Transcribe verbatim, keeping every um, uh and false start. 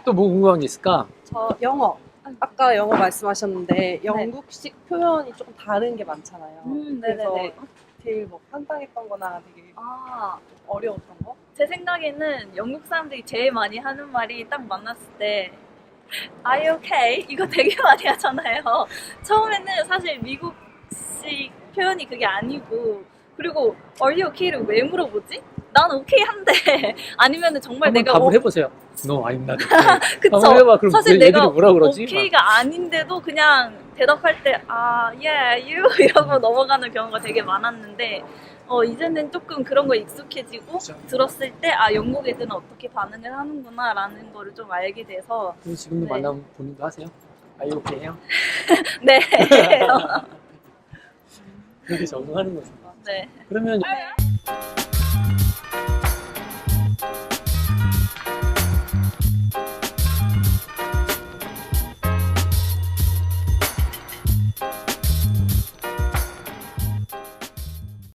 또 뭐 궁금한 게 있을까? 저 영어. 아까 영어 말씀하셨는데 영국식 표현이 조금 다른 게 많잖아요. 음, 그래서 네네네. 제일 뭐 황당했던 거나 되게 아, 어려웠던 거? 제 생각에는 영국 사람들이 제일 많이 하는 말이 딱 만났을 때 Are you okay? 이거 되게 많이 하잖아요. 처음에는 사실 미국식 표현이 그게 아니고, 그리고 Are you okay를 왜 물어보지? 난 오케이 한데 아니면은 정말 한번 내가 답을 어, 해보세요. No, I'm not okay. 그쵸? 한번 해봐. 그럼 사실 얘들이 내가 뭐라 그러지? 오케이가 아닌데도 그냥 대답할 때 아, yeah, you 이러고 넘어가는 경우가 되게 많았는데 어, 이제는 조금 그런 거에 익숙해지고 그쵸. 들었을 때 아, 영국 애들은 어떻게 반응을 하는구나 라는 거를 좀 알게 돼서 그럼 지금도 네. 만나면 본인도 하세요? Are you okay 해요? 네. 그렇게 적응하는 거죠. 네. 그러면 네.